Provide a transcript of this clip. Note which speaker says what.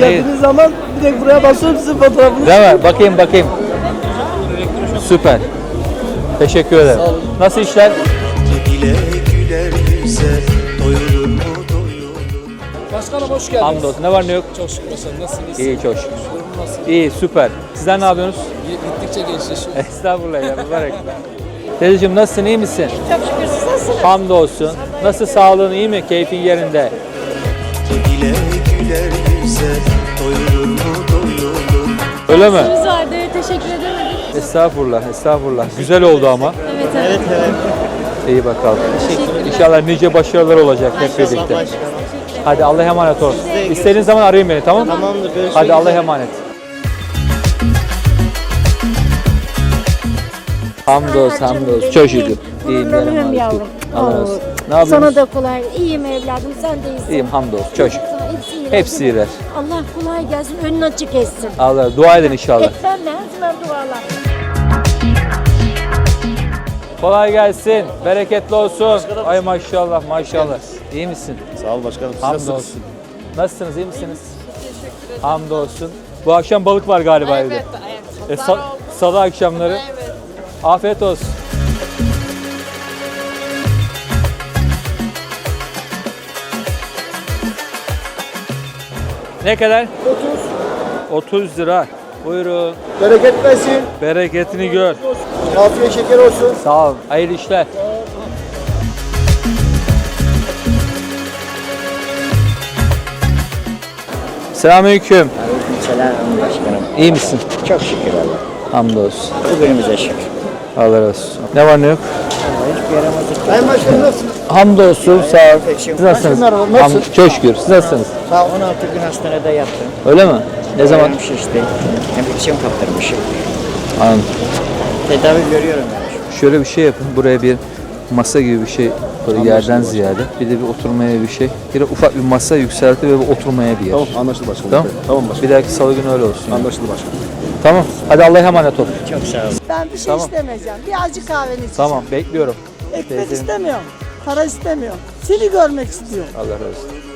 Speaker 1: geldiğiniz zaman direkt buraya basıyorum sizin fotoğrafınızı.
Speaker 2: Değil mi? Bakayım. Süper. Teşekkür ederim. Nasıl işler?
Speaker 3: Dile güler yüze doyulur mu doyulur.
Speaker 4: Başkanım hoş geldiniz.
Speaker 2: Hamdolsun. Ne var ne yok?
Speaker 4: Çok şükür başkanım. Nasılsınız?
Speaker 2: İyi çok şükür.
Speaker 4: Durum nasıl?
Speaker 2: İyi süper. Sizler ne yapıyorsunuz?
Speaker 4: Gittikçe gençleşiyor.
Speaker 2: Estağfurullah ya. Mübarek. Teyzeciğim nasılsın? İyi misin?
Speaker 5: Çok şükür siz nasılsınız?
Speaker 2: Hamdolsun. Nasıl sağlığın iyi mi? Keyfin yerinde?
Speaker 3: Dile güler yüze doyulur mu doyulur.
Speaker 2: Öyle mi?
Speaker 5: Siz vardı, teşekkür edemedik.
Speaker 2: Estağfurullah. Güzel oldu ama.
Speaker 5: Evet.
Speaker 2: İyi bakalım. İnşallah nice başarılar olacak hep birlikte. Hadi Allah'a emanet ol. İstediğin zaman arayın beni, tamam mı?
Speaker 1: Tamamdır, görüşmek
Speaker 2: Hadi Allah'a
Speaker 1: üzere.
Speaker 2: emanet. Hamdolsun. Çok şükür. İyiyim
Speaker 5: Gururlanıyorum yavrum.
Speaker 2: Allah razı olsun.
Speaker 5: Oo.
Speaker 2: Ne yapıyorsun?
Speaker 5: Sana da kolay. İyiyim evladım, sen de iyisin.
Speaker 2: İyiyim hamdolsun. Çok şükür.
Speaker 5: Hepsi iyiler.
Speaker 2: Hepsi iyiler.
Speaker 5: Allah kolay gelsin, önün açık etsin.
Speaker 2: Allah dua edin inşallah.
Speaker 5: Ekberle her zaman dualar.
Speaker 2: Kolay gelsin. Bereketli olsun. Ay maşallah. İyi misin?
Speaker 6: Sağ ol başkanım. Siz nasılsınız?
Speaker 2: Hamdolsun. Nasılsınız? İyi misiniz? Hamdolsun. Bu akşam balık var galiba evde. Salı akşamları. Afiyet olsun. Ne kadar? 30 lira. Buyurun.
Speaker 1: Bereket versin.
Speaker 2: Bereketini gör.
Speaker 1: Afiyet şeker olsun.
Speaker 2: Sağ ol. Hayırlı işler. Selamünaleyküm.
Speaker 7: Selam başkanım.
Speaker 2: İyi misin?
Speaker 7: Çok şükür Allah.
Speaker 2: Hamdolsun.
Speaker 7: Bugünümüze şükür.
Speaker 2: Allah razı olsun. Ne var ne yok?
Speaker 7: Hiçbir yaramazlık.
Speaker 1: Sayın Başkanım nasılsınız?
Speaker 2: Hamdolsun. Sağ ol. Siz nasılsınız?
Speaker 1: Başkanım, nasıl?
Speaker 2: Çok şükür. Siz nasılsınız?
Speaker 7: Sağ 16 gün hastanede yattım.
Speaker 2: Öyle mi? Ne zaman?
Speaker 7: Ayağım şişti. Enfeksiyon kaptırmışım.
Speaker 2: Anladım.
Speaker 7: Tedavi görüyorum yani.
Speaker 2: Şöyle bir şey yapın. Buraya bir masa gibi bir şey, böyle yerden ziyade. Bir de bir oturmaya bir şey. Bir de ufak bir masa yükselti ve bir oturmaya bir yer.
Speaker 6: Tamam anlaşıldı başkanım.
Speaker 2: Tamam.
Speaker 6: Tamam başkanım.
Speaker 2: Bir dahaki salı günü öyle olsun.
Speaker 6: Anlaşıldı başkanım.
Speaker 2: Tamam. Hadi Allah'a emanet ol.
Speaker 7: Çok sağ olun.
Speaker 1: Ben bir şey
Speaker 2: Tamam.
Speaker 1: istemeyeceğim. Bir acı kahveni içeceğim.
Speaker 2: Tamam. Bekliyorum.
Speaker 1: Ekmek
Speaker 2: Teyzem.
Speaker 1: istemiyorum. Para istemiyorum. Seni görmek istiyorum.
Speaker 2: Allah razı olsun.